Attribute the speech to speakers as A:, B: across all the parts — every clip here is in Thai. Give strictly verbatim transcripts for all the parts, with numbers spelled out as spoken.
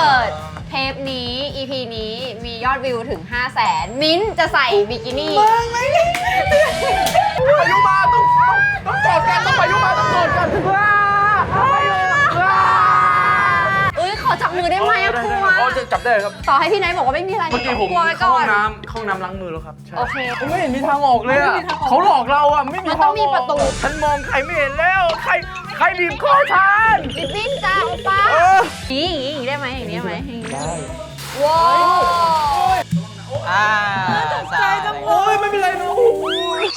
A: กิดเทปนี้ อี พี นี้มียอดวิวถึง ห้าแสน มิ้นท์จะใส่บิกินี่
B: พายุมาต้องต้องกอดกันต้องพายุมาต้องกอดกันว้า
A: เอ้ยขอจับมือได้ไหมอะครูวะ
B: อ๋อจะจับได้ครับ
A: ต่อให้พี่ไนท์บอกว่าไม่มีอะไร
B: เมื่อกี้ผม
A: กลัวไว้ก่
B: เข้า
A: อ
B: ห้อน งน้ำเข้าห้องน้ำล้างมือแล้วครับใช่
A: โอเค
B: ไม่เห็นมีทางออกเลยอ่ะเขาหลอกเราอ่ะไม่มี
A: มัน
B: ทาง
A: ต้องมีประตู
B: ฉันมองใครไม่เห็นแล้วใครใครบีบคอฉัน
A: บิบบิ้นจ้าโอป้า
B: เออ
A: อย่างนี้อย่างนี้ได้ไหมอย่างนี้ได้ไหมอย่างนี้
B: ได้
A: ว้าว
C: อ่าตกใจจัง
B: โอ้ยไม่เป็นไรนะโอ้ย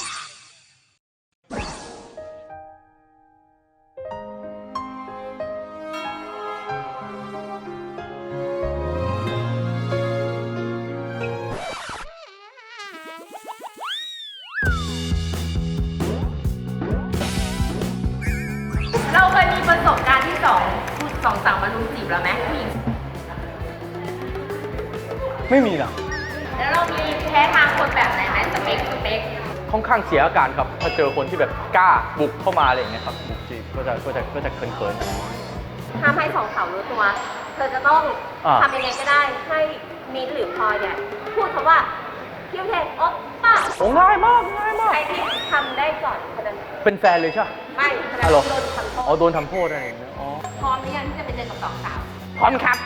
D: เราเคยมีประสบการณ์ที่สองสองสาวมารุมจีบเราไหมผู้หญิง
B: ไม่มีนะ
D: แล้วเรามีแพ้ทางคนแบบไหนไหมสเปคสเปค
B: ค่อนข้างเสียอาการครับถ้าเจอคนที่แบบกล้าบุกเข้ามาอะไรอย่างเงี้ยครับบุกจีบก็จะก็จะก็จะเขินๆ
D: ทำให้สองสาวรู้ตัว เธอจะต้อง
B: อ่า
D: ทำยังไงก็ได้ให้มิ้นท์หรือพลอยเนี่ยพูดคำว่าคิวเทนโอ๊ปป้า
B: โอ้ง่ายมากง่ายมาก
D: ใครที่ทำได้ก่อนคนนั้น
B: เป็นแฟนเลยใช่ไหม
D: ไม่คนนั้น
B: ฮัลโหล
D: โดนทำโท
B: อ๋อ
D: ษ
B: โดนทำโทษอะไรอย่างเงี้ยอ๋อ
D: พร้อมหรือยังที่จะไปเจอกับสองสาว
B: พร้อมครับ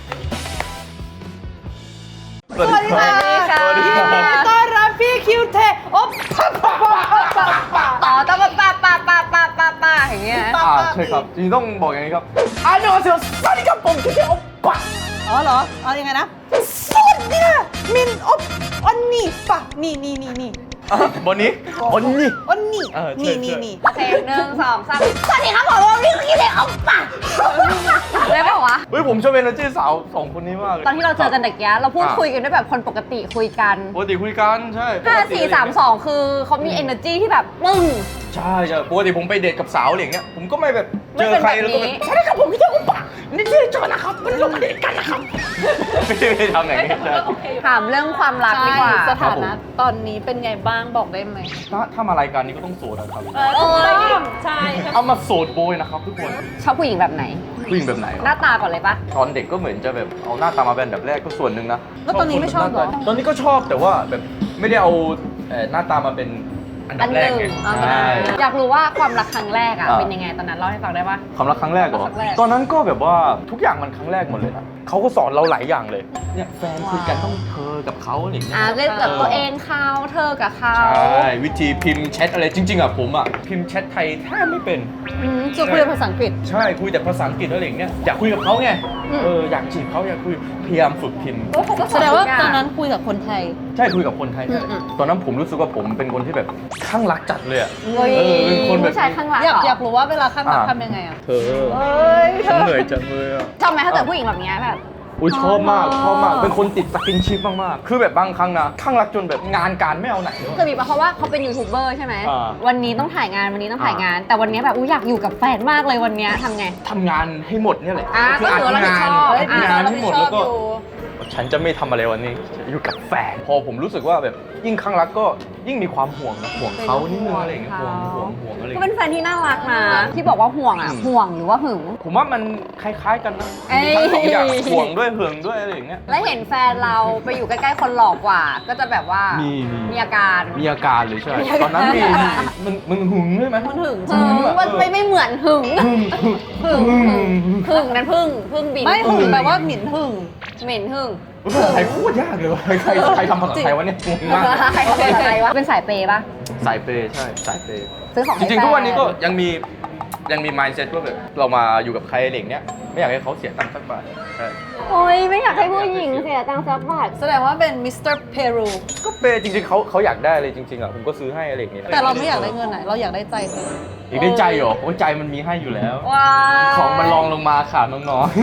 A: สวัสดีค่ะ
B: สวัสดีครับ
C: ต้อนรับพี่คิวเทโอ๊บปั๊บปั๊บปั๊บปั๊บปั๊บ
A: ต่อต้องป้าป้าป้าป้าป้าป้าอย่างเงี้ย
B: อ่าใช่ครับจริงๆต้องบอกอย่างนี้ครับอันนี้ก็เสียวสวัสดีครับผมที่เดียวปะ
C: อ๋อเหรอ เอายังไงนะสวัสดีค่ะมินอ๊บอันนี้ปะนี่นี่นี่นี่
B: บนนี้บนนี้
C: อันนี้
B: เออใช่
C: นี่
B: ใช่
C: นี่นี่
A: โอเคหนึ่งสองสามสวัสดีครับผมวันนี้คิดเลยเอาป่ะได้ป่าวะ
B: เฮ้ยผมชอบเอเนอร์จีสาวสองคนนี้มากเลย
A: ตอนที่เราเจอกันเด็กแยะเราพูดคุยกันด้วยแบบคนปกติคุยกัน
B: ปกติคุยกันใช่ปก
A: ห้า
B: ติ
A: สี่สามสองคือเขามี energy ที่แบบปึ้ง
B: ใช่ใช่ปกติผมไปเดทกับสาวอะไรอย่างเงี้ยผมก็ไม่แบบ
A: ไม่
B: เจอ
A: เป็น
B: ใคร
A: แบบ
B: แล้วก็แบ
A: นี้
B: บสวัสดีครับผมที่เดียวปะนี่ชื่อจอนะครับมันลงมาเดทกันนะครับไม่ได้ทำอย่างนี้ใช่
A: ถามเรื่องความรักดีกว่า
C: สถานะตอนนี้เป็นไงบ้างบอกได้ไหม
B: ถ้าถ้ามารายการนี้ก็ต้องโสดนะครับ
A: โอ้ย
D: ใช่
B: เอามาโสดโบยนะครับทุกคน
A: ชอบผู้หญิงแบบไหน
B: ผู้หญิงแบบไหน
A: หน้าตาก่อนเลยปะ
B: ตอนเด็กก็เหมือนจะแบบเอาหน้าตามาเป็นแบบแรกก็ส่วนหนึ่งนะ
C: แล้วตอนนี้ไม่ชอบเหรอ
B: ตอนนี้ก็ชอบแต่ว่าแบบไม่ได้เอาเอ่อหน้าตามาเป็นอันดับแรกไง
A: อันหนึ่ง
B: ใช่
A: อยากรู้ว่าความรักครั้งแรกอะ
B: อ่า
A: เป็นยังไงตอนนั้นเล่าให้ฟังได้ปะ
B: ความรักครั้งแรกเหรอ
A: ครั้งแรก
B: ตอนนั้นก็แบบว่าทุกอย่างมันครั้งแรกหมดเลยนะเขาก็สอนเราหลายอย่างเลย เนี่ยแฟนคุยกันต้องเธอกับเขาอะไรอย่างเงี้ย
A: อ่าเล่นกับตัวเองเขาเธอกับเขา
B: ใช่วิธีพิมพ์แชทอะไรจริง ๆอ่ะผมอ่ะพิมพ์แชทไทยแทบไม่เป็น
C: อืมจะคุยภาษาอังกฤษ
B: ใช่คุยแต่ภาษาอังกฤษอะไรอย่างเงี้ยอยากคุยกับเขาไง
A: อืม
B: เอออยากจีบเขาอยากคุยพยายามฝึกพิมพ์
A: โอ้เขาก็
C: แสดงว่า
A: ทุกอย่
C: ตอนนั้นคุยกับคนไทย
B: ใช่คุยกับคนไทย
A: อืมอืม
B: ตอนนั้นผมรู้สึกว่าผมเป็นคนที่แบบข้างรักจัดเลยอ่ะ
A: เฮ้ย
B: เออเป็นคนแบบ
A: ผู้ชายข้างหลัง
C: อยาก
A: เหร
C: อยากรู้ว่าเวลาข้างรัก
B: อ่า
C: ทำยังไงอ่ะ
B: เธอ
C: เอ้ย
B: ฉันเหนื่อยจังเลยอ่ะ
A: ชอบไหมถ้าเกิดผู้หญิงแบบเนี้ยแบบ
B: อุ้ยชอบมากชอบมากเป็นคนติดสกินชิปมากๆคือแบบบางครั้งนะข้างรักจนแบบงานการไม่เอาไหนเลย
A: เคยมีปะเพราะว่าเขาเป็นยูทูบเบอร์ใช่ไหม
B: อ่า
A: วันนี้ต้องถ่ายงานวันนี้ต้องถ่ายงาน แต่วันนี้แบบอุ้ยอยากอยู่กับแฟนมากเลยวันเนี้ยทำไง
B: ทำงานให้หมดเนี่ยแหละ
A: อ่า
B: คือ
A: ก็ถือว่ารับผิดชอบ
B: อัดงาน
A: อ่า
B: ให้หมดแล้วก็ ฉันจะไม่ทำอะไรวันนี้จะอยู่กับแฟน พอผมรู้สึกว่าแบบยิ่งข้างรักก็ยิ่งมีความห่วงนะห่วงเขานิดนึงอะไรอย่างเงี้ยห่วงห่วงห่วงอะไรอย่าง
A: ก็เป็
B: เงี้ย
A: นแฟนที่น่ารักนะที่บอกว่าห่วงอ่ะ
B: อืม
A: ห่วงหรือว่าหึง
B: ผมว่ามันคล้ายๆกันนะ
A: เอ้ย
B: มีทั้งสองอย่างห่วงด้วยหึงด้วยอะไรอย่างเงี้ย
A: และเห็นแฟนเราไปอยู่ใกล้ๆคนหล่อกว่า ก็จะแบบว่า
B: มีมี
A: มีอาการ
B: มีอาการเลยใช่
A: มีอาการ
B: ตอนนั้นมีมีมึงมึงหึงใช่ไหม
C: มันถึง
A: หึงมันไม่ไม่เหมือนหึง
B: หึงหึง
A: หึงหึงหึงนั้นพึ่งพึ่งบิน
C: ไม่หึงแปลว่าหมิ่นหึง
A: เหม็นหึง
B: ภาษาไทยโคตรยากเลยว่ะใครใครทำภาษาไทยวะเนี่ยงงมาก
A: ใครเขาเป็นอะไรวะเป็นสายเปย์ปะ
B: สายเปย์ใช่สายเปย์
A: ซื้อของ
B: จ
A: ให้
B: ริงๆทุกวันนี้ก็
A: แฟ
B: ยังมียังมี mindset ว่าแบบเรามาอยู่กับใครอะไรอย่างเงี้ยไม่อยากให้เขาเสียตังค์สักบาทใช่
A: โอ้ยไม่อยากให้ผู้หญิงเสียตังค์สักบาท
C: แสดงว่าเป็นมิสเตอร์เพรู
B: ก็เปย์จริงๆเขาเขาอยากได้อะไรจริงๆอ่ะผมก็ซื้อให้อะไรอย่างเงี้ย
C: แต่เราไม่อยากได้เงินไหนเราอยากได้ใจเธอ
B: อีกได้ใจเหรอโอ้ยใจมันมีให้อยู่แล้ว
A: ว้า
B: ของมันรองลงมาค่ะน้องๆ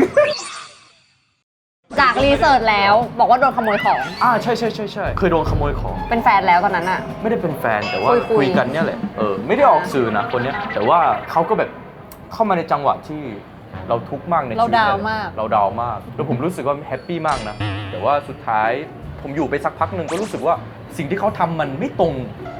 A: จากรีเสิร์ชแล้วบอกว่าโดนขโมยของ
B: อ่าใช่ใช่ใช่ใช่เคยโดนขโมยของ
A: เป็นแฟนแล้วตอนนั้นอะ
B: ไม่ได้เป็นแฟนแต่ว่า
A: คุยคุย
B: คุยกันเนี่ยแหละเออไม่ได้ออกสื่อนะคนเนี้ยแต่ว่าเขาก็แบบเข้ามาในจังหวะที่เราทุกข์มากในชีวิต
C: เราดาวน์มาก
B: เราดาวน์มากแล้วผมรู้สึกว่าแฮปปี้มากนะแต่ว่าสุดท้ายผมอยู่ไปสักพักหนึ่งก็รู้สึกว่าสิ่งที่เขาทำมันไม่ตรง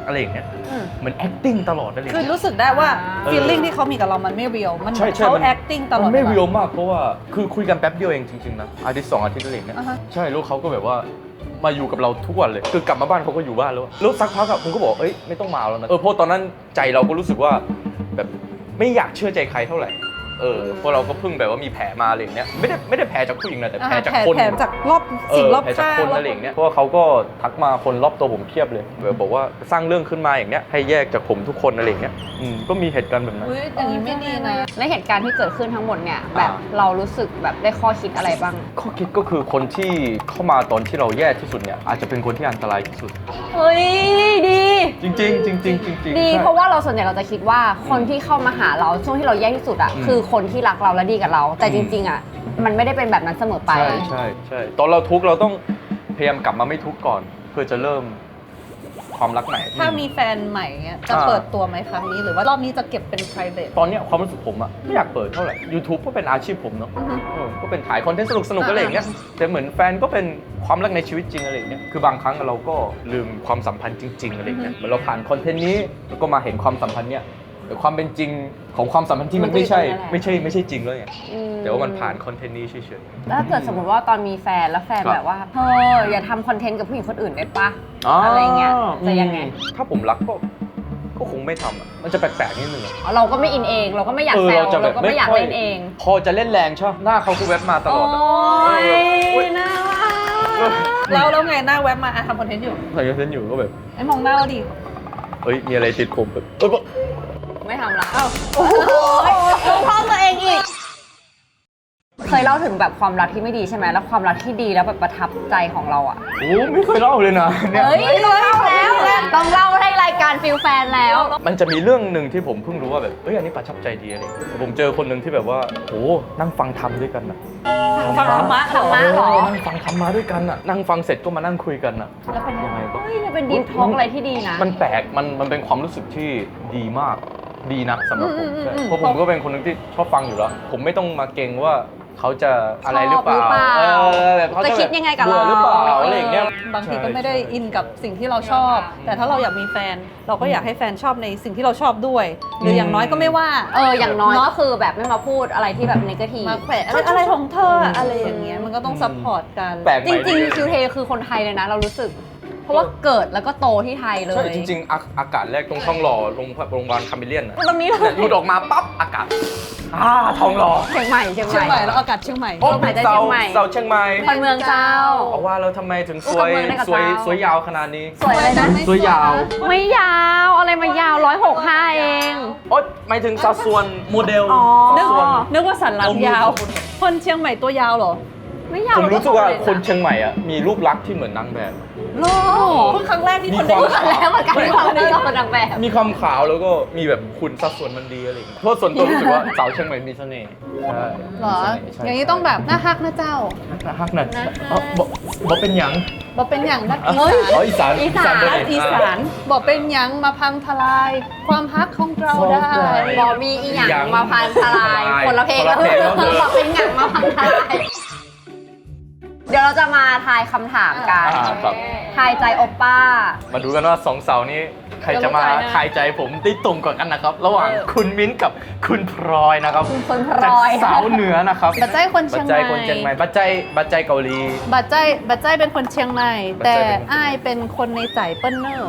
B: อะไรอย่างเงี้ย
A: อืม
B: เหมือน acting ตลอดอะไรอย่าง
C: คือ
B: เงี้ย
C: รู้สึกได้ว่า
A: เออ
C: feeling ที่เขามีกับเรามันไม่ real มัน
B: ใช่ใช่
C: เขา
B: มัน
C: acting ตลอด
B: มันไม่
C: วลา
B: เรียลมากเพราะว่าคือคุยกันแป๊บเดียวเองจริงๆนะอาทิตย์สองอาทิตย์อะไรอย่างเงี้ย
C: อ่าฮะ
B: ใช่แล้วเขาก็แบบว่ามาอยู่กับเราทุกวันเลยคือกลับมาบ้านเขาก็อยู่บ้านแล้วแล้วสักพักอะผมก็บอกเอ้ยไม่ต้องมาแล้วนะเออเพราะตอนนั้นใจเราก็รู้สึกว่าแบบไม่อยากเชื่อใจใครเท่าไหร่เออเพราะเราก็เพิ่งแบบว่ามีแผลมาอะไรอย่างเงี้ยไม่ได้ไม่ได้แผลจากผู้หญิงนะแต่แผลจาก
C: แผล
B: คน
C: แผลจากรอบ
B: เอ
C: สิ่ง
B: อ
C: รอบ
B: แผลจาก
C: ข้าง
B: คนอะไรอย่างเงี้ยเพราะว่าเขาก็ทักมาคนรอบตัวผมเพียบเลยแบบบอกว่าสร้างเรื่องขึ้นมาอย่างเงี้ยให้แยกจากผมทุกคนอะไรอย่างเงี้ยอืมก็มีเหตุการณ์แบบนั้น
C: อุ๊ยอย่างนี้ไม่ดีนะ
A: และเหตุการณ์ที่เกิดขึ้นทั้งหมดเนี่ยแบบเรารู้สึกแบบได้ข้อคิดอะไรบ้าง
B: ข้อคิดก็คือคนที่เข้ามาตอนที่เราแย่ที่สุดเนี่ยอาจจะเป็นคนที่อันตรายที่สุด
A: เฮ้ยดี
B: จริงๆจริงๆจริงๆจริงๆ
A: ดี
B: ใช่
A: เพราะว่าเราส่วนใหญ่เราจะคิดว่าคนที่เข้ามาหาเราช่วงที่เราแย่ที่สุดอ่ะ
B: อืม
A: คือคนที่รักเราและดีกับเรา แต่
B: อื
A: จ
B: ม
A: ริง ๆอ่ะมันไม่ได้เป็นแบบนั้นเสมอไป
B: ใช่ใช่ใช่ตอนเราทุกข์เราต้องพยายามกลับมาไม่ทุกข์ก่อน เพื่อจะเริ่มความรักใหม่
C: ถ้ามีแฟนใหม่เงี้ยจะ
B: อ่า
C: เปิดตัวไหมครั้งนี้ หรือว่ารอบนี้จะเก็บเป็น private
B: ตอนเนี้ยความรู้สึกผมอะไม่อยากเปิดเท่าไหร่ YouTube ก็เป็นอาชีพผมเนาะ
C: อือฮึ
B: เออก็เป็นถ่ายคอนเทนต์สนุกสนุกๆอะไรอย่างเงี้ยแต่เหมือนแฟนก็เป็นความรักในชีวิตจริงอะไรอย่างเงี้ยคือบางครั้งเราก็ลืมความสัมพันธ์จริง ๆอะไรอย่างเงี้ยเหมือนเราผ่านคอนเทนต์นี้แล้วก็มาเห็นความสัมพันธ์เนี้ยแต่ความเป็นจริงของความสัมพันธ์ที่มันไม่ใช่
A: มันก็อยู่ตรงนั้นแหละ
B: ไม่ใช่ไม่ใช่จริงเลยไง
A: อืม
B: แต่ว่ามันผ่านคอนเทนต์นี้เฉย
A: แล้วถ้าเกิดสมมติว่าตอนมีแฟนแล้วแฟน
B: ครับ
A: แบบว่าเธออย่าทำคอนเทนต์กับผู้หญิงคนอื่นได้ปะ
B: ๆอ๋ออ
A: อะไรเงี้ยจะยังไง
B: ถ้าผมรักก็ก็คงไม่ทำอะมันจะแปลกๆนิดนึงอะ
A: เราก็ไม่อินเอง เราก็ไม่อยาก
B: เออ
A: แซว
B: เราจะแบ
A: เรา
B: บ
A: ก็ไม่อยาก
B: ค่
A: เล่นเอง
B: พอจะเล่นแรงใช่ไหมหน้าเขาก็แวบมาตลอดอะ
A: โอ้ย
B: เออ
A: น่ารั
B: เออ
A: ก
C: แล้วแล้วไงหน้าแว็บมาอ่ะทำคอนเทนต์อยู่
B: ใส่คอนเทนต์อยู่ก็แบบ
C: ไอ้มองหน้าเราดิ
B: เอ้ยมีอะไรติดผมแบบเอ้ย
A: ไม่ทำละอ้าวโอ้ยดูพ่อตัวเองอีก เคยเล่าถึงแบบความรักที่ไม่ดีใช่ไหมแล้วความรักที่ดีแล้วแบบประทับใจของเราอ่ะ
B: โอ้ไม่เคยเล่าเลยนะเนี่ย
A: เฮ้ยต้องเล่าแล้วต้องเล่าให้รายการฟิลแฟนแล้ว
B: มันจะมีเรื่องหนึ่งที่ผมเพิ่งรู้ว่าแบบเอ้ยอันนี้ประทับใจดีอะไรอย่างเงี้ยผมเจอคนหนึ่งที่แบบว่าโอ้นั่งฟังธรรมด้วยกันอะ
C: ฟังธรรมะ
A: ธรรมะเหรอ
B: เนั่งฟังธรรมะด้วยกันอะนั่งฟังเสร็จก็มานั่งคุยกันอะ
A: แล้วเป็น
B: ยังไงก็
A: เฮ้ยมันเป็นดีท็อกอะไรที่ดีนะ
B: มันแปลก มัน มันเป็นความรู้สึกที่ดีมาก ดีนะสำหรับผม
C: อืมอืม
B: ใช่
C: อืม
B: เพราะผมก็เป็นคนหนึงที่ชอบฟังอยู่แล้ว ผมไม่ต้องมาเกรงว่าเขาจะอะไรหรือเปล่า
A: ชอบหรือเปล่า
B: เออแบบเขา
A: จะคิดยังไงกับเรา
B: บื่อหรือเปล่าอะไรอย่างเงี้ย
C: บางทีก็ไม่ได้
B: ใช่
C: อินกับสิ่งที่เราชอบ แต่ถ้าเราอยากมีแฟน เราก็อยากให้แฟนชอบในสิ่งที่เราชอบด้วย หรืออย่างน้อยก็ไม่ว่า
A: เอออย่างน้อย
C: เนอะ
A: ก็คือแบบไม่มาพูดอะไรที่แบบนกาทีฟ
C: มาแขวะอะไรอะไรของเธออะอะไรอย่างเงี้ยมันก็ต้องซัพพอร์ตกัน
B: แปลกให
A: จ
B: ม่
A: ริง
B: ดี
A: ๆคิวเทคือคนไทยเลยนะ เรารู้สึก เพราะว่าเกิดแล้วก็โตที่ไทยเลย
B: ใช่จริงๆอาอากาศแรกตรงท้องหล่อโรงโรงพยาบาลคาเมเลียนนะ
A: ตรงนี้เลย
B: เนี่ยหลุดออกมาปั๊บอากาศอ่าท้องหล่อ
A: เชียงใหม่เชียง
C: เชียง
A: ให
C: ให
A: ม่
C: ม่แล้วอากาศเชียงใหม่
B: โอ้
A: ลมหายใจ
B: เสา
A: เชียงใหม่
B: เสาเชียงใหม่
A: คนเมืองเจ้า
B: เอาว่าแล้วทำไมถึงสวย
A: เมืองได้กับ
B: สวย
A: เจ้า
B: สวยยาวขนาดนี้
A: สวยเลยนะ
B: สวยยาว
A: ไม่ยาวอะไรมายาวร้อยหกห้าเอง
B: โอ๊ยหมายถึงสัดส่วนโมเดล
A: อ๋อ
C: นึก
B: ส่วน
C: นึกว่าสันหลังยาว คนเชียงใหม่ตัวยาวเหรอ
A: ไม่ยาว
B: ผมรู้สึกว่า
A: เร
B: คนเชียงใหม่อะมีรูปลักษณ์ที่เหมือนนางแบบ
C: โลเพิ่งครั้งแรกที่
B: มี
C: คน
B: ควา
C: ได้
B: ม
C: ยิน
A: แล้วเหมือนกันที่เราได้เราเป็นนางแบบ
B: มีความขาวแล้วก็มีแบบคุณสัดส่วนมันดีอะไรอย่างเงี้ยเพราะส่วนตัวรู้สึกว่าสาวเชียงใหม่มีเสน่ห์ใช่
C: เหรอ
B: มีเสน่ห์ใช่
C: อย่างนี้ต้องแบบหน้าฮักนะเจ้า
B: น่าฮักนะเอ้าบอกบอกเป็นหยัง
C: บอกเป็นอย่างนักอี
B: เฮ้ย
C: สาน
B: อ๋ออีสาน
A: อีสาน
B: ด้วย
C: อีสานบอกเป็นหยังมาพังทลาย ความฮักของเราได้
A: บอมีอีหยังมาพันทลาย คนละเพลง
B: คนละเพลง
A: แล้
B: แล้ว ว
A: บอกเป็นหยังมาพันทลาย เดี๋ยวเราจะมาทายคำถามกัน
B: อ่าครับ
A: ทายใจโอป้า
B: มาดูกันว่าสองสาวนี้ใครจะมาทายใจผมได้ตรงกว่ากันนะครับ ระหว่างคุณมิ้นท์กับคุณพลอยนะครับ
A: คุณพล
B: จาก
A: อย
B: สาวเหนือนะครับ
C: บัจใจคนเชียง
B: บัจ
C: ให
B: ใจ
C: ม่
B: คนเชียงใหม่บัจใจบัจใจเกาหลี
C: บัจใจบัจใจเป็นคนเชียงใหม่
B: บัจ
C: แต่
B: ใจเป็น
C: อ้ายเป็นคนในใจเปิ้ลเนอร์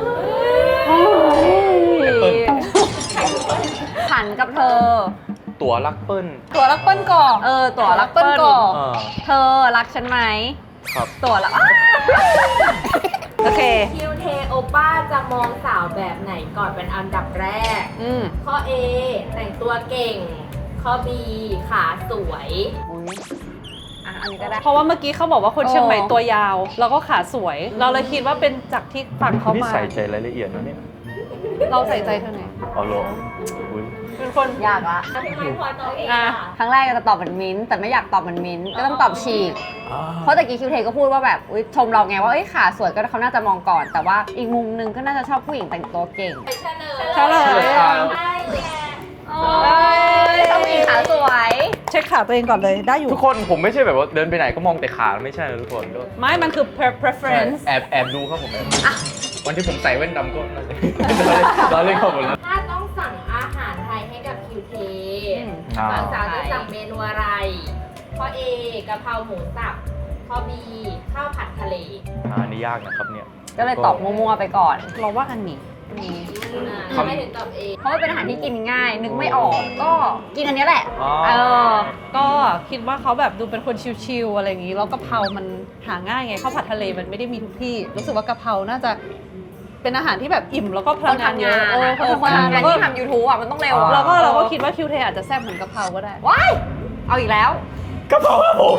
B: เปิ้ล
A: ขันกับเธอ
B: ตัวรักเปิ้ล
C: ตัวรักเปิ้ลก่อน
A: เออตั๋วรักเปิ้
C: เปิ้
A: ล
C: ลก่อน
B: อ่า
A: เธอรักฉันไหม
B: ครับ
A: ตั๋วรักอ้า
C: โอเค
D: คิวเทโอป้าจะมองสาวแบบไหนก่อนเป็นอันดับแรก
A: อืม
D: ข้อ A แต่งตัวเก่ง ข้อ B ขาสวย
A: อุ๊ยอ่ะอันนี้ก็ได้
C: เพราะว่าเมื่อกี้เขาบอกว่าคนเชียงใหม่
A: โอ้
C: ตัวยาว แล้วก็ขาสวย เราเลยคิดว่าเป็นจากที่ฝั่งเขา
B: นี่
C: มา
B: ใส่ใจรายละเอียดนะเนี่ย
C: เราใส่ใจเท่าไหร่
B: เอาลงอุ๊ย
C: เป็นคน
A: ยากละ
D: พี่ไม้พลอยตอบเอง
C: อ่ะ
D: ค่ะ
A: ครั้งแรกจะตอบเหมือนมิ้นท์แต่ไม่อยากตอบเหมือนมิ้นท์ก็ต้องตอบฉีก
B: อ่า
A: เพราะตะกี้คิวเทก็พูดว่าแบบอุ๊ยชมเราไงว่าเอ้ยขาสวยก็เขาน่าจะมองก่อน แต่ว่าอีกมุมนึงก็น่าจะชอบผู้หญิงแต่งตัวเก่ง
D: เฉลย
C: เฉลย
D: ได้แก่
A: โอ้ยชอบผู้หญิงขาสวย
C: เช็คขาตัวเองก่อนเลยได้อยู่
B: ทุกคนผมไม่ใช่แบบว่าเดินไปไหนก็มองแต่ขาไม่ใช่นะทุกคนก็
C: ไม่มันคือ pre- preference
B: แอบแอบดูครับผมแอบดูวันที่ผมใส่แว่นดำก็น่าจะ เราเล่นเข้าหมดแล้ว
D: ถ้าต้องสั่งอาหารไทยให้กับคิวเท
B: อ่า
D: ฝั่งสาวจะสั่งเมนูอะไรข้อ A กะเพราหมูสับข้อ B ข้าวผัดทะเล
B: อ่าอันนี่ยากนะครับเนี่ย
A: ก็เลยตอบมั่วๆไปก่อน
C: เราว่าอันนี้
A: นี่
D: อ่า
B: คำ
D: ทำไมถึงตอบ A
A: เพราะว่าเป็นอาหารที่กินง่าย นึกไม่ออกก็กินอันเนี้ยแหละ
B: อ๋อ
A: เออ
C: ก็คิดว่าเขาแบบดูเป็นคนชิลๆอะไรอย่างนี้แล้วกะเพรามันหาง่ายไงข้าวผัดทะเลมันไม่ได้มีทุกที่ รู้สึกว่ากะเพราน่าจะเป็นอาหารที่แบบอิ่มแล้วก็พ
A: ค
C: ลั
A: น
C: งงานเย
A: ทำ
C: อะ
A: งาน
C: เออ
A: อะ
C: คน
A: เออคน
C: ทำงาน
A: ทำงา
C: แล้
A: น
C: วก็
A: ที่ทำยูทูบอ่ะมันต้องเร็วอะ
C: เราก็เราก็คิดว่าคิวเทอาจจะแซ่บเหมือนกะเพราก็ได้
A: ว้ายเอาอีกแล้ว
B: กระเพราครับผม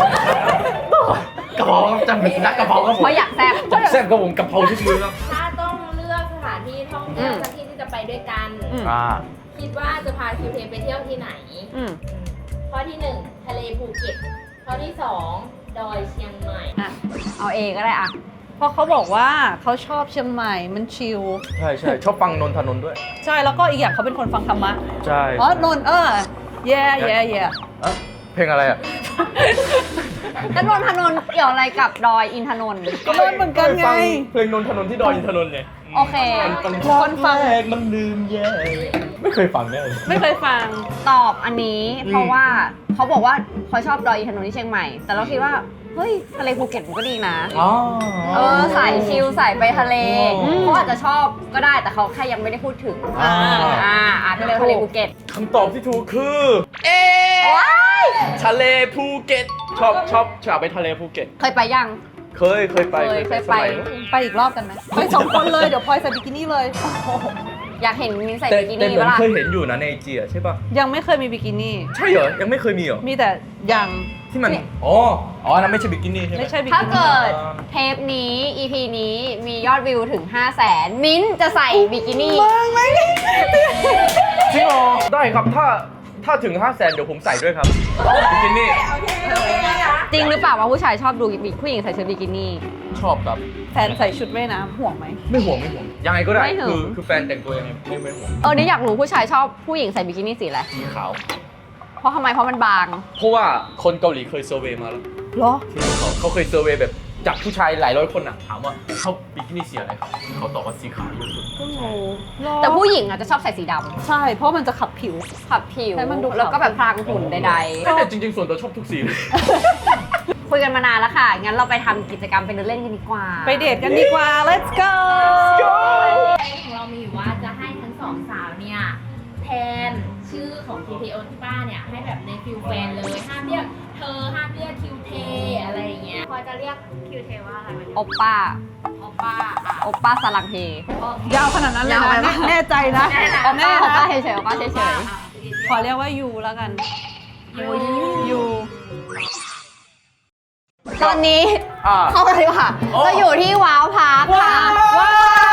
B: กระเพราครับจำเป็นนักกระเพราครับผม
A: เพราะอยากแซ่บ
B: จับแซ่บครับผมกระเพราทุกมือครับ
D: ถ้าต้องเลือกสถานที่ท่องเที่ยวสักที่ที่จะไปด้วยกัน
C: อืม
B: อ่า
D: คิดว่าจะพาคิวเทไปเที่ยวที่ไหน
C: อืม
D: ข้อที่หนึ่งทะเลภูเก็ตข้อที่สองดอยเชียงใหม่
C: อ่ะ
A: เอาเองก็ได้อะ
C: เพราะเขาบอกว่าเขาชอบเชียงใหม่มันชิล
B: ใช่ใช่ชอบฟังนนทนนท์ด้วย
C: ใช่แล้วก็อีกอย่างเขาเป็นคนฟังธรรมะ
B: ใช่
C: อ๋อนนท์เออ yeah yeah yeah
B: อ่ะเพลงอะไรอ่ะ
A: แล้วนนทนนท์เกี่ยวอะไรกับดอยอินทนนท์
C: ก็นนท์เหมือนกันไง
B: ฟัเพลงนนทนนท์ที่ดอยอินทนนท์ไง
A: โอเค
B: มัน
C: คนฟัง
B: แรกมันลืมแย่ไม่เคยฟังแน่เลย
C: ไม่เคยฟัง
A: ตอบอันนี้เพราะว่าเขาบอกว่าเขาชอบดอยอินทนนท์ที่เชียงใหม่ แต่เราคิดว่า เฮ้ย ทะเลภูเก็ตมันก็ดีนะ
B: อ๋อ
A: เออสายชิลสายไปทะเล
B: อืม
A: เขาอาจจะชอบก็ได้แต่เขาแค่ยังไม่ได้พูดถึง
B: อ่า
A: อ่าอาจจะเป็นทะเลภูเก็ต
B: คำตอบที่ถูกคือ เอ
A: ว้าย
B: ทะเลภูเก็ต ชอบชอบชอบไปทะเลภูเก็ต
A: เคยไปยัง
B: เคยเคยไป
A: เคยเคยไป
B: สมั
C: ไปอีกรอบกันไหมไปสองคนเลย เดี๋ยวพลอยใส่บิกินี่เลย
A: อยากเห็นมินใส่
B: แต่
A: บิกิ
B: แต่
A: นี่
B: เหมือ
A: ปะ
B: น
A: ล่ะ
B: เคยเห็นอยู่นะในไอจีใช่ปะ
C: ยังไม่เคยมีบิกินี่
B: ใช่เหรอ ยังไม่เคยมีเหรอ
C: มีแต่ยัง
B: ที่มัน อ๋อ อ๋ออันนั้นไม่ใช่บิกินี่ใช่ไหม
C: ไม่ใช่บิ
A: ถ้า
C: กินี่
A: เกิดเทปนี้ อี พี นี้มียอดวิวถึง ห้าแสน มิ้นท์จะใส่บิกินี่
B: จริงเหรอ ได้ครับ ถ้าถ้าถึงห้าแสนเดี๋ยวผมใส่ด้วยครับบิกินี่
A: จริงหรือเปล่าว่าผู้ชายชอบดูผู้หญิงใส่ชุดบิกินี่
B: ชอบครับ
C: แฟนใส่ชุดว่ายน้ำห่วงไหม
B: ไม่ห่วงไม่ห่วง ยังไงก็ได้
A: ไม่ห่วง
B: คือคือแฟนแต่งตัวยังไงไม่ไม่ห่วง
A: เออนี่อยากรู้ผู้ชายชอบผู้หญิงใส่บิกินี่สีอะไร
B: สีขาว
A: เพราะทำไมเพราะมันบาง
B: เพราะว่าคนเกาหลีเคยเซอร์เวย์มาแล้ว
C: เหรอ
B: ที่เขาเขาเคยเซอร์เวย์แบบจากผู้ชายหลายร้อยคนอ่ะ ถามว่าเขาบิกินี่สีอะไรครับ เขาตอบว่าสีขาวเยอะสุด
A: แต่ผู้หญิงอาจจะชอบใส่สีด
C: ใช่ เพราะมันจะขับผิว
A: ำขับผิว
C: ให้มันดูขาว
A: แล้วก็แบบพรางหุ่นใด
B: แต่จริงๆ ส่วนตัวชอบทุกสีเลย
A: ๆ คุยกันมานานแล้วค่ะ งั้นเราไปทำกิจกรรมไปเดินเล่นกันดีกว่า
C: ไปเดทกันดีกว่า let's go
D: ของเรามีอยู่ว่าจะให้ทั้งสองสาวเนี่ยแทนชื่อของคิวเทโอที่ป้าเนี่ยให้แบบในฟิลแฟนเลยห้ามเรียกเธอห้ามเรียกคิวเทอะไรอย่างเงี้ยพอจะเรียกคิวเทว่าอะไรวันนี้
A: โอปป้า
D: โอป้าอ่ะ
A: โอปป้าสลังเฮ
C: ยาวขนาดนั้นเลย
A: ยาวไป
C: นะ
A: ปะ
C: แน่ใจนะ
A: โอปป้าโอปป้า
C: นะ
A: เฉยๆโอปป้าเฉย
C: ขอเรียกว่ายูแล้วกัน
D: ยู
C: ยู
A: ๆ ตอนนี้
B: อ่า
A: เข้าไปดีกว่า
B: โอ้
A: เราอยู่ที่ว้าวพาร์คค่ะ
C: ว้าว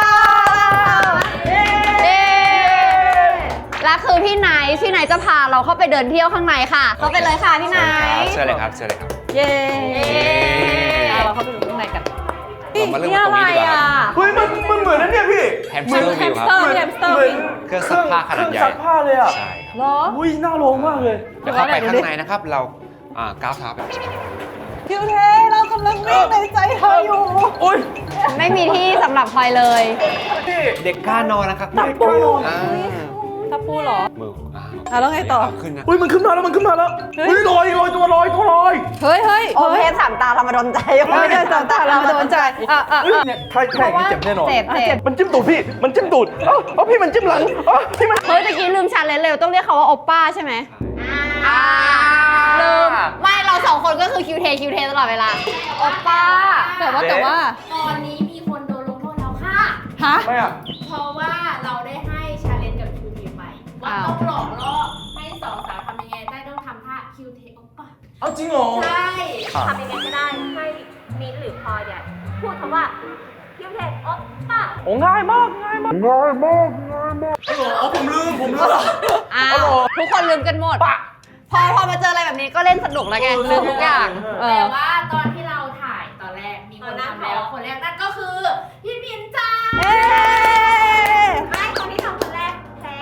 A: เย้และคือพี่ไนท์พี่ไนท์จะพาเราเข้าไปเดินเที่ยวข้างในค่ะ เข้าไปเลยค่ะพี่ไนท์
E: เชิญเลยครับเชิญเลยครับ
C: เย้
A: เย้
C: เอาเราเข้าไปดูข้างในกัน
E: เรามาเริ่ม
A: นี่
E: กัน
A: อะ
E: ตรง
A: ไร
E: นี้ดีกว่า
A: อ่ะ
B: เฮ้ยมันมันเหมือนนั่นเนี่ยพี่
E: แฮมสเตอร์
C: แฮ
E: วิ
C: ม
E: ว
C: ส
E: ครับ
C: เตอร์แฮมสเตอร์
B: เหมื
C: วิ
B: อน
C: ง
E: เครื่องซักผ้าขนาดใหญ่
B: เครื่องซักผ้าเลยอ่ะ
E: ใช่ครับ
C: เหรอ
B: อุ้ยน่าลองมากเลย
E: เดี๋ยวเข้าไปข้างในนะครับ เราอ่าก้าวเท้าไป
C: คิวเทเรากำลังวิ่งในใจเธออยู่
B: อุ้ย
A: ไม่มีที่สำหรับพลอยเลย
B: พี่
E: เด็กกล้านอนนะครับ
B: เด็กกล้านอน
E: อ่า
C: ถ้าพูดเหรอ
E: มืออ่า
C: อ่ะแล้วไงต่อ
E: ขึ้นนะ
B: อุ้ยมันขึ้นมาแล้วมันขึ้นมาแล้ว
C: เฮ้ย
B: อุ้ยลอยลอยตัวลอยตัวลอย
C: เฮ้ยเฮ้ย
A: โอ
C: เฮ้
A: เพ
C: ย
A: สสามตาเรามาโดนใจ
C: ไม่ได้สอนตาเราโดนใจอ่ะอ่ะ
B: เฮ้ย
C: อ่ะ
B: เนี่ยใครใครอย่างนี้เจ็บแน่นอน
A: เจ็บเจ็บ
B: มันจิ้มตูดพี่ มันจิ้มตูดเอ้าเอาพี่มันจิ้มหลังเอ้าพี่มัน
A: เฮ้ยตะกี้ลืมชาเลนจ์เร็วต้องเรียกเขาว่าโอปป้าใช่ไหมอ่าลืม ไม่เราสองคนก็คือคิวเทคิวเทตลอดเวลา โอปป้า
C: แต่ว่าแต่ว่า
D: ตอนนี้มีคนโดนลงโทษแล้วค่ะ
C: ฮะ
B: ไม่อะ
D: เพราะว่าเราได้ให้ชาเลนจ์กับคิวเทไปว่า
A: อ้าว
D: ต้องหลอกล่อให้สองสาวทำยังไงได้ต้องทำท่าคิวเทโอป้า
B: เอาจริงเหรอ
D: ใช่
B: อ่ะ
D: ทำยังไงก็ได้ให้มิ้นท์หรือพลอยเนี่ยพูดคำว่าคิวเทโอป้า
B: โอ้ง่ายมากง่ายมากง่ายมากง่ายมากไอ้หรอเอาผมลืมผมลืม
A: อ้า
B: เอา
A: ว
B: เหรอ
A: ทุกคนลืมกันหมด
B: ปะ
A: พอพอมาเจออะไรแบบนี้ก็เล่นสนุกแล้วไงลืมทุกอย่างเอ
D: แต่
A: อ
D: ว่าตอนที่เราถ่ายตอนแรกมีคนทำแล้วคนแรกนั่นก็คือพี่มิ้นท์จ้า
C: เอ๊ะ
D: ไม่คนที่ทำคนแรกแพ้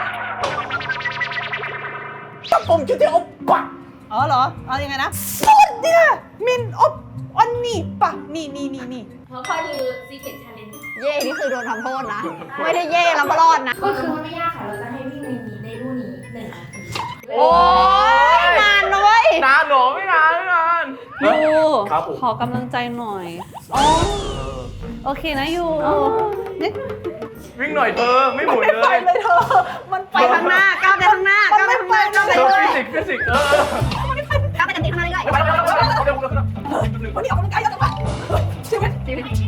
B: ตับผมคิดถึงเอาปะ
C: อ๋อเหรอ เอายังไงนะสุดเนี่ยมินอบอันนี่ปะนี่นี่นี่นี่
D: เพราะพลอยคือ Secret Challenge
A: เย่นี่คือโดนทำโทษนะ ไม่ได้เย่แล้วมารอดนะ
D: ก็คือไม่ยากค่ะ เราจะให้วิ่งในนี้ในรูนี้หนึ่งนาที
A: โอ้ยนานนะเว้ย
B: นานหรอไม่นานไม่นาน
C: ยู
B: ครับผม
C: ขอกำลังใจหน่อยอ๋อโอเคนะยูนี่
B: วิ่งหน่อยเธอไม่หมุนเลย
C: เลยเธอ มัน
A: ไปข้างหน้าก้าวไปข้างหน้าก้าวไปข้างหน้าก้าวไป
B: เธอ
A: เลย
B: ฟิสิกส์ฟิสิกส์เออ
A: ก้าวไปกันติดข้างหน้าเลย
C: วันนี้ออกกำลังกายเยอะจังวะชีวิต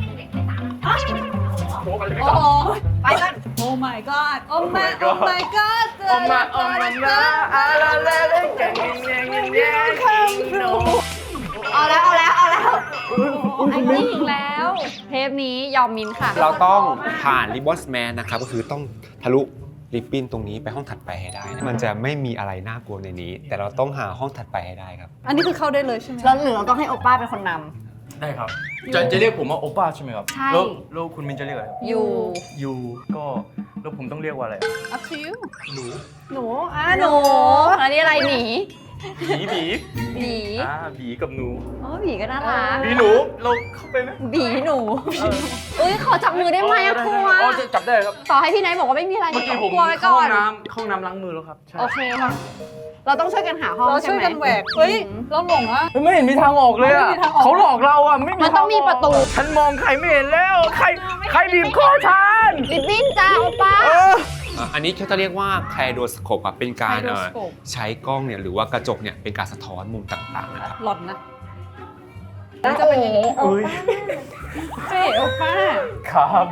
B: โอ้โห
C: โอ้โห
A: ไปกัน
C: โอ้ my god โอ้ my โอ้ my god เจ
B: โอ้
C: อ
B: มา
C: แล้ว
B: โอ้มานะอะไรอะไรแกงแกงแกงแกงแกงโน
A: เอาแล้วเอาแล้วเอาแล้ว
C: ไอ้นี่อีกแล้ว
A: เทปนี้ยอมมินค่ะ
E: เราต้องผ่านริบบอนสแมนนะครับก็คือต้องทะลุริบบิ้นตรงนี้ไปห้องถัดไปให้ได้นะมันจะไม่มีอะไรน่ากลัวในนี้ แต่เราต้องหาห้องถัดไปให้ได้ครับ
C: อันนี้คือเข้าได้เลยใช่ไหม
A: แล้วหรือเราต้องให้โอป้าเป็นคนน
B: ได้ครับจะจะเรียกผมว่าโอป้าใช่ไหมครับ
A: ใช่
B: แล้วแล้วคุณมินจะเรียกอะไร
A: ำอยู่
B: ยูก็แล้วผมต้องเรียกว่าอะไร
C: up to you
B: หนู
C: หนูอ่ะ
A: หนูอันนี้อะไรหนี
B: บีบี
A: บี
B: อ่าบีกับหนู
A: โอ้บีก็น่ารัก
B: บีหนูเราเข้าไปไหม
A: บีหนูเอ้ยขอจับมือได้ไหมอะกลัว
B: อ๋อจะจับได้ครับ
A: ต่อให้พี่ไนท์บอกว่าไม่มีอะไร
B: เมื่อกี้ผม
A: กลัวไว้
B: เข้า
A: ก่
B: ห้
A: อ
B: อน งน้ำเข้าห้องน้ำล้างมือแล้วครับใช่
A: โอเคค่ะเราต้องช่วยกันหาห้อง
C: เรา
A: ใช่
C: ช่วย
A: ไหม
C: กันแหวก เฮ้ย เราหลงอ่ะ
B: เฮ้ยไม่เห็นมีทางออกเลยอะ
C: ไม่มีทางออก
B: เขาหลอกเราอะไม่มี
A: มันต้องมีประตู
B: ฉันมองใครไม่เห็นแล้ว ใครใครบีบคอฉัน
A: ลิบบิ้นจ้าโอป้า
B: เออ
E: อ่ะอันนี้เขาจะเรียกว่าไคโดสโคปครับเป็นการเอ่อ
C: Kaleidoscope
E: ใช้กล้องเนี่ยหรือว่ากระจกเนี่ยเป็นการสะท้อนมุมต่างๆนะครับ
C: หลอนนะ
A: จะเป็นอย่างนี้
B: เอ้ย
C: เจ๊โอป้า
B: ขาบี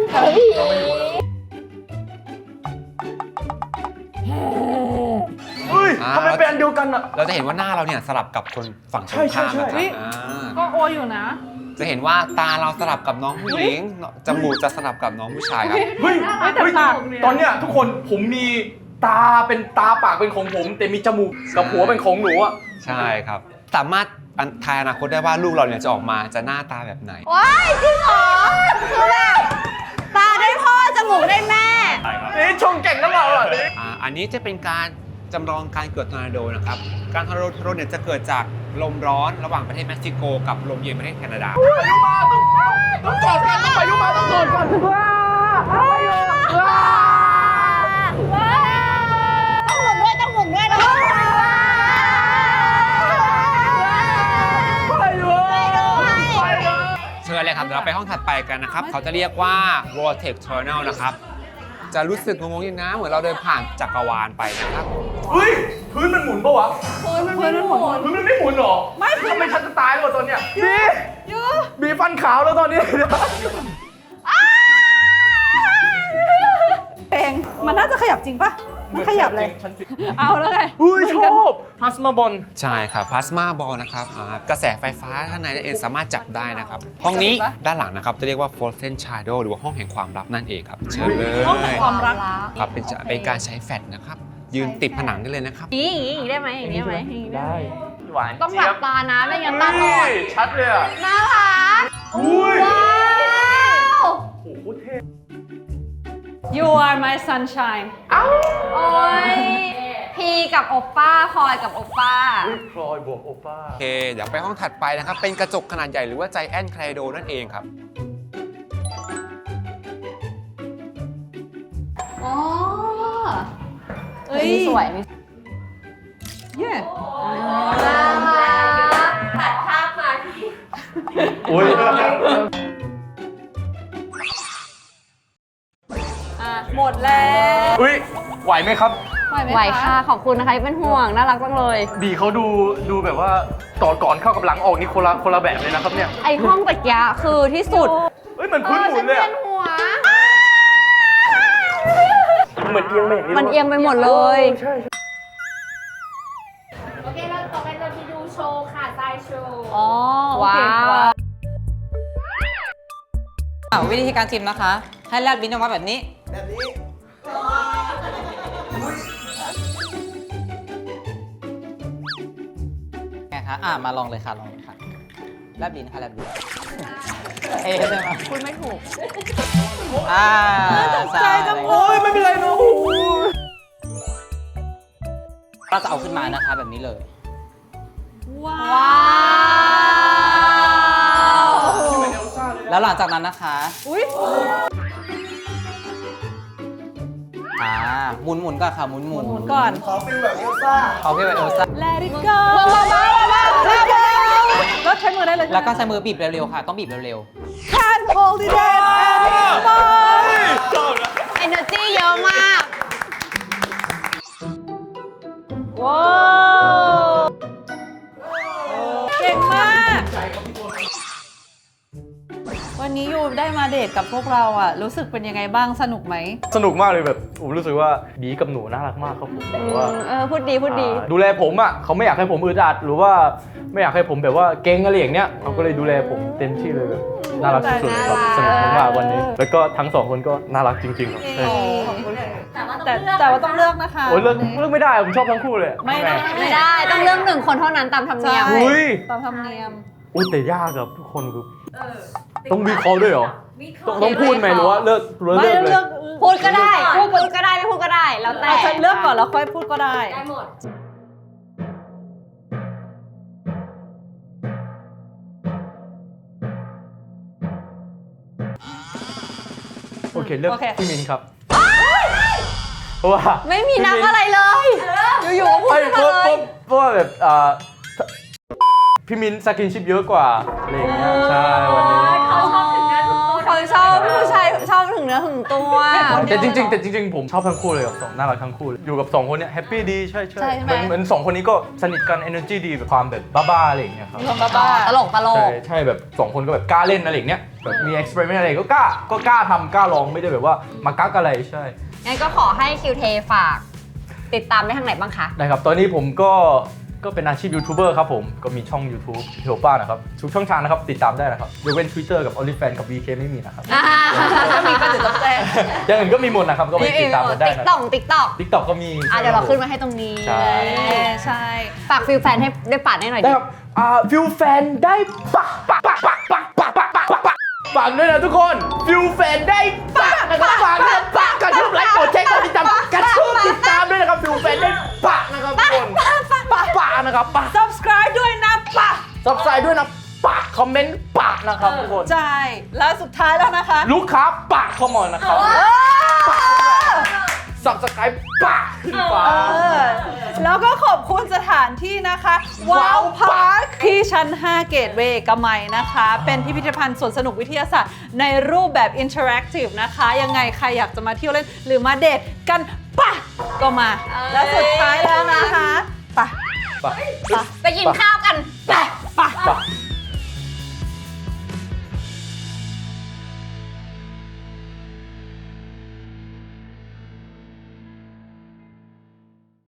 B: เฮ้ย
E: อ่า
B: ทำไมเป็นอันเดียวกันอะ
E: เราจะเห็นว่าหน้าเราเนี่ยสลับกับคนฝั่งตรง
B: ใช่ใช่
E: ข้ามนะค
B: ใช่
E: รับอ่า
C: ก็โออยู่นะ
E: จะเห็นว่าตาเราสลับกับน้องผู้หญิงจมูกจะสลับกับน้องผู้ชายครับ
B: เฮ้ย
C: แต่
B: เฮ้ย
C: ปากเนี่ย
B: ตอนเนี้ยทุกคนผมมีตาเป็นตาปากเป็นของผม แต่มีจมูกกับหัวเป็นของหนูอะ
E: ใช่ครับ สามารถอันทายอนาคตได้ว่าลูกเราเนี่ยจะออกมาจะหน้าตาแบบไหน
A: ว้ายจริงเหรอคือแบบตาได้พ่อจมูกได้แม่
B: นี่ชงเก่งนะเราอะนี่
E: อ่าอันนี้จะเป็นการจำลองการเกิดทอร์นาโดนะครับ การทอร์นาโดทอร์นาโดเนี่ยจะเกิดจากลมร้อนระหว่างประเทศเม็กซิโกกับลมเย็นประเทศแคนาดา
B: ต้องกอดกันต้องไปยุมาต้องกอดกันว้าว้า
A: ต้องหมุนด้วยต้องหมุนด้วยนะ
B: ไปเลยไปเลย
E: เชิญเลยครับเดี๋ยวเราไปห้องถัดไปกันนะครับ เขาจะเรียกว่า Vortex Tunnel นะครับ จะรู้สึกงงๆอย่างนะเหมือนเราเดินผ่านจักรวาลไปนะครับ
B: เฮ้ยพื้นมันหมุนปะวะ
C: เพื่อนมันไม่หมด
B: พื้นมันไม่หมุนหรอไม่ทำไมฉันจะตายแล้วตอนเนี้ยบี
C: ยู
B: บีฟันขาวแล้วตอนนี้
C: เพลงมันน่าจะขยับจริงปะมันขยับเลย
B: ฉันสิ
C: เอาแล้วไง
B: อุ้ยชอบพลาสมาบอล
E: ใช่ครับพลาสมาบอลนะครับอ่ากระแสไฟฟ้าข้างในนั่นเองสามารถจับได้นะครับ ห้องนี้ด้านหลังนะครับจะเรียกว่า Frozen Shadow หรือว่าห้องแห่งความลับนั่นเองครับ เชิญเลย
C: ห้องแห่งความรัก
E: ครับเป็นจะเป็นการใช้แฟลชนะครับ ยืนติดผนังได้เลยนะครับ
A: อย่างนี้อย่างนี้ได้ไหมอย่างนี้ได้ไหมอย่างนี้ได้ไหม
B: หวาน
A: ต้องหลับตานะไม่งั้นตาบอด
B: ชัดเลยอ่ะ
A: น่ารัก
B: อุ้ย
A: ว้าว
B: โอ้โหเท่
C: You are my sunshine
A: โอ้ยพีกับโอป้าพลอยกับโอป้า
B: อุ้ยพลอยบวกโอป้า
E: โอเค เดี๋ยวไปห้องถัดไปนะครับ เป็นกระจกขนาดใหญ่หรือว่า Giant Kaleido นั่นเองครับ
A: อ๋อ
C: เอ้ย
A: มีสวยมี
C: เย่
A: น่ารัก
D: ตัดภาพมาที่
B: อุ้ย
C: อ่ะหมดแล้ว
B: อุ้ยไหวไหมครับ
C: ไหวไหม
A: ไหวค่ะขอบคุณนะคะที่เป็นห่วงน่ารักจังเลย
B: บีเขาดูดูแบบว่าต่อก่อนเข้ากับหลังออกนี่คนละคนละแบบเลยนะครับเนี่ย
A: ไอห้องตะกี้คือที่สุด
B: เฮ้ยเหมือนพื้นหมุนเลย
A: เออฉั
B: อะ
A: นหัว
B: เหมือนเอียงไปอย่าง
A: มันเอียงไปหมดเลย
B: ใช่ใช่
D: โอเคเราต่อไปเราไปดูโชว์ค่ะทรายโชว์
C: อ๋อโอเค
A: ว้าว
F: อ่ะวิธีการชิมนะคะ ให้แลบลิ้นออกมาแบบนี้ แบบนี้ไงคะอ่ะมาลองเลยค่ะ ลองเลยค่ะ แลบลิ้นค่ะ แลบลิ้นเอ๊ะใช่ไหม
A: คุณไม่ถูก
F: อ่า
C: ตกใจจังเล
B: โอ้ย
C: ย
B: ไม่เป็นไรนะโอ้โห
F: เราจะเอาขึ้นมานะคะแบบนี้เลย
C: ว้า
A: ว้าว
F: แล้วแล้วหลังจากนั้นนะคะ
C: อุ้ย
F: อ่าหมุนหมุนๆก่อนค่ะหมุนหมุน
C: หมุนก่อน
F: เขาเป็นแบบเอลซ่า
C: Let it go เบาๆเบาๆเบาๆแล้วใช้มือได้เลยใช่ไหม
F: แล้วก็ใช้มือบีบเร็วๆค่ะ ต้องบีบเร็ว
C: Can't hold it in anymore
A: energy เยอะมาก
C: ว้าวเก่งมาก วันนี้ยูได้มาเดทกับพวกเราอ่ะ รู้สึกเป็นยังไงบ้างสนุกไหม
B: สนุกมากเลยแบบผมรู้สึกว่าบีกับหนูน่ารักมากครับผมแบบว่า
A: เออ พูดดี พูดดี
B: อ่าดูแลผมอ่ะเขาไม่อยากให้ผมอึดอัดหรือว่าไม่อยากให้ผมแบบว่าเก่งอะไรอย่างเนี้ยเขาก็เลยดูแลผมเต็มที่เลยแบบน่ารักสุดๆครับสนุกมากๆวันนี้ แล้วก็ทั้งสองคนก็น่ารักจริงๆครับใช่
D: แต่ว่าต้อง
C: แต่
D: เลือก
C: แต่ว่าต้องเลือกนะคะ
B: โอ้ยเลือก
C: วันนี้
B: เลือกไม่ได้ผมชอบทั้งคู่เลย
C: ไม่ได้
A: ไม่ได้ ต้องเลือกหนึ่งคนเท่านั้นตามธรรมเนียม
C: ใช่
B: อุ้ย
C: ตามธรรมเนียม
B: อุ้ยแต่ยากครับทุกคนคือต้องวิเคราะห์ด้วยเหรอต้องต้องพูดไหมหรือว่าเลิกหรือว่า
C: ไม่
B: เลิกเลย
C: เลือก
A: พูดก็ได้ พูดก็ได้ ไม่พูดก็ได้ แล้วแต่
C: อาจจะเลือกก่อนแล้วค่อยพูดก็ได้
D: ได้หมด
B: โอเคเลือก
C: โอเค
B: พี่มินครับเพราะว่า
A: ไม่มีนับอะไรเลย อยู่ๆก็พูด
B: ไอ้
A: ขึ้น
B: เพ
A: มา
B: ราะ
A: เลย
B: เพราะว่าแบบอ่าพี่มินสกินชิปเยอะกว่าอะไรอย่างเงี้ยใช่วันนี้
D: เขาชอบถึงเนื้อถึงตัว
A: เขาชอบผู้ชายชอบถึงเนื้อถึงตัว
B: แต่จริงๆแต่จริงๆผมชอบทั้งคู่เลยครับสองน่ารักทั้งคู่เลยอยู่กับสองคนเนี้ยแฮปปี้ดีใช่ใช่
C: ใช่ไหม
B: เหมือนเหมือนสองคนนี้ก็สนิทกัน energy ดีแบบความแบบบ้าๆอะไรอย่างเงี้ยครับ
C: มีความบ้า
A: ตลกตล
B: ใช่
A: ก
B: ใช่แบบสองคนก็แบบกล้าเล่นอะไรอย่างเงี้ยแบบมี experiment อะไรก็กล้าก็กล้าทำกล้าลองไม่ได้แบบว่ามากักอะไรใช่
A: งั้นก็ขอให้คิวเทฝาก ติดตามได้ทางไหนบ้างคะ
B: ได้ครับ ตอนนี้ผมก็ก็เป็นอาชีพยูทูบเบอร์ครับผม ก็มีช่อง YouTube เทลป้านะครับ ทุกช่องทางนะครับ ติดตามได้นะครับยกเว้น Twitter กับ OnlyFans กับ วี เค ไม่มีนะครับ
A: อ่า
C: ๆถ้ามีก็จะต้องแจ้ง
B: อย่างอื่นก็มีหมดนะครับ ก็ไปติดตามกันได้
A: ติ๊ก
B: นะ
A: ต็อกติ๊กต็อก
B: TikTok ก็มี
A: อ่ะเดี๋ยวเราขึ้นมาให้ตรงนี้
B: ใช่
C: ใช่
A: ฝากฟิลแฟนให้ได้ปาดให้หน่อย
B: ได้
A: ดิ
B: ครับอ่าฟิวแฟนได้ปะปะปะปะปะปะปะปะปะปะฝากด้วยนะทุกคนฟิวแฟนได้ปะนะครับฝากด้วยปะกระทืบไลค์กดแชร์กดติดตามกระทืบติดตามด้วยนะครับฟิวแฟนได้ปะนะครับทุกคนปะปะนะครับปะ
C: subscribe ด้วยนะปะ
B: ซับสไครต์ด้วยนะปะคอมเมนต์ปะนะครับทุกคน
C: ใช่ แล้วสุดท้ายแล้วนะคะ
B: ลูกค้าปะเข้ามานะครับซับสไครต์ปะขึ้นฟ้า
C: เออแล้วก็ขอบคุณสถานที่นะคะว้าวพาร์คที่ชั้น ห้า เกตเวย์กมัยนะคะ เป็นพิพิธภัณฑ์สวนสนุกวิทยาศาสตร์ในรูปแบบอินเทอร์แอคทีฟนะคะ ยังไงใครอยากจะมาเที่ยวเล่น หรือมาเดทกันปะก็มา แล้วสุดท้ายแล้วนะคะปะ
B: ปะ
A: ไปกินข้าวกัน
C: ปะปะ
B: ปะ